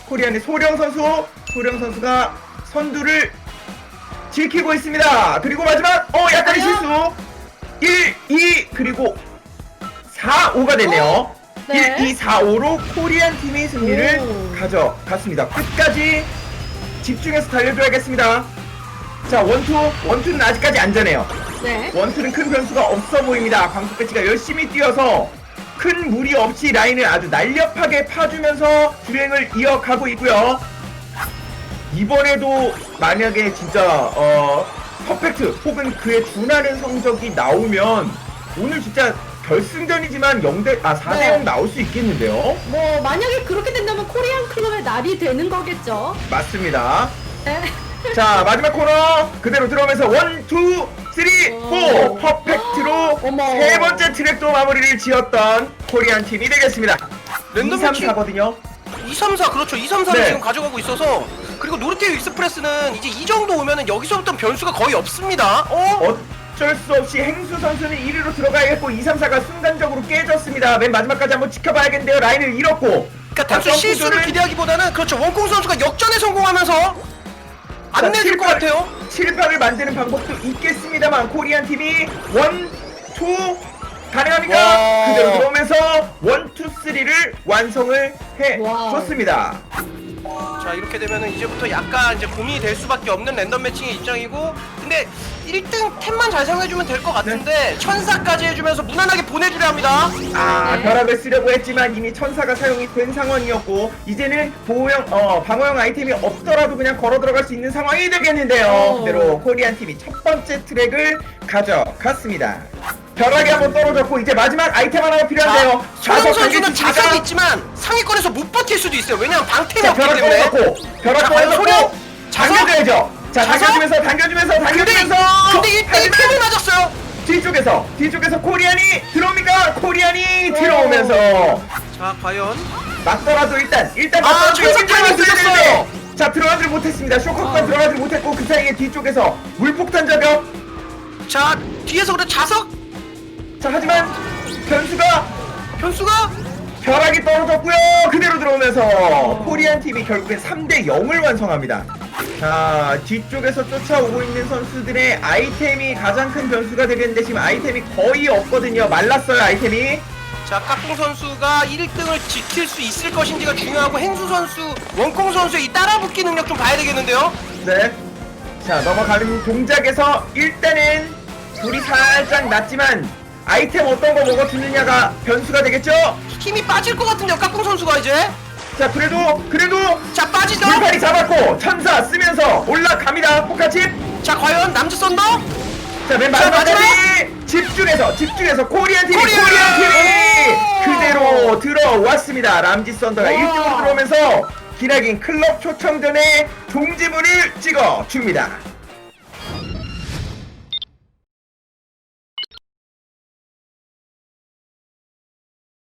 코리안의 소령 선수가 선두를 지키고 있습니다. 그리고 마지막 약간의 실수 1, 2 그리고 4, 5가 됐네요. 네. 1, 2, 4, 5로 코리안 팀이 승리를 오. 가져갔습니다. 끝까지 집중해서 달려줘야겠습니다. 자, 원투는 아직까지 안전해요. 네. 원투는 큰 변수가 없어 보입니다. 광수 배치가 열심히 뛰어서 큰 무리 없이 라인을 아주 날렵하게 파주면서 주행을 이어가고 있고요. 이번에도 만약에 진짜 퍼펙트 혹은 그에 준하는 성적이 나오면 오늘 진짜 결승전이지만 4대0 네. 나올 수 있겠는데요? 뭐 만약에 그렇게 된다면 코리안 클럽의 날이 되는 거겠죠. 맞습니다. 네. 자, 마지막 코너 그대로 들어오면서 1, 2, 3, 4 퍼펙트로 어머. 세 번째 트랙도 마무리를 지었던 코리안 팀이 되겠습니다. 랜덤 2, 3, 매치. 4거든요. 2, 3, 4 그렇죠. 2, 3, 4를 네. 지금 가져가고 있어서 그리고 노르테오 익스프레스는 이제 이 정도 오면은 여기서부터 변수가 거의 없습니다. 어쩔 수 없이 행수 선수는 1위로 들어가야겠고 2, 3, 4가 순간적으로 깨졌습니다. 맨 마지막까지 한번 지켜봐야겠는데요. 라인을 잃었고 그러니까 단순 실수를 기대하기보다는 그렇죠. 원콩 선수가 역전에 성공하면서 안 내줄 것 같아요. 7박을 만드는 방법도 있겠습니다만 코리안 팀이 1, 2 가능합니까? 와. 그대로 들어오면서 1, 2, 3를 완성을 와우. 해줬습니다. 자, 이렇게 되면은 이제부터 약간 이제 고민이 될 수밖에 없는 랜덤 매칭의 입장이고, 근데 1등 템만 잘 사용해주면 될 것 같은데 천사까지 해주면서 무난하게 보내주려 합니다. 아, 네. 벼락을 쓰려고 했지만 이미 천사가 사용이 된 상황이었고 이제는 방어형 아이템이 없더라도 그냥 걸어 들어갈 수 있는 상황이 되겠는데요. 그대로 코리안 팀이 첫 번째 트랙을 가져갔습니다. 벼락이 한번 떨어졌고 이제 마지막 아이템 하나가 필요한데요. 소영 선수는 당겨주시니까. 자석이 있지만 상위권에서 못 버틸 수도 있어요. 왜냐면 방템이 자, 없기 벼락 때문에. 떨어졌고 벼락 자, 과연 소령? 떨어졌고 자석? 당겨줘야죠. 자, 자석? 당겨주면서 근데 1등이 템을 맞았어요. 뒤쪽에서 코리안이 들어옵니까? 코리안이 들어오면서 자, 과연 맞더라도 일단 아, 맞더라도 천사 타이밍 들렸어요. 자, 들어가지 못했습니다. 쇼커까지 들어가지 못했고 그 사이에 뒤쪽에서 물폭탄 저격. 자, 뒤에서 그래 자석 자, 하지만 변수가 벼락이 떨어졌고요. 그대로 들어오면서 코리안 팀이 결국엔 3대 0을 완성합니다. 자, 뒤쪽에서 쫓아오고 있는 선수들의 아이템이 가장 큰 변수가 되겠는데 지금 아이템이 거의 없거든요. 말랐어요, 아이템이. 자, 까꿍 선수가 1등을 지킬 수 있을 것인지가 중요하고 행수 선수, 원콩 선수의 이 따라붙기 능력 좀 봐야 되겠는데요. 네. 자, 넘어가는 동작에서 일단은 불이 살짝 났지만 아이템 어떤 거 먹어주느냐가 변수가 되겠죠? 힘이 빠질 것 같은데요, 까꿍 선수가 이제. 자, 그래도 자, 빠지죠. 불판이 잡았고 천사 쓰면서 올라갑니다. 포카칩. 자, 과연 남주 썬더. 자, 맨 자, 마지막까지 집중해서 코리안 팀이 코리안! 그대로 들어왔습니다. 람지 썬더가 와. 1등으로 들어오면서 기나긴 클럽 초청전에 종지부를 찍어줍니다.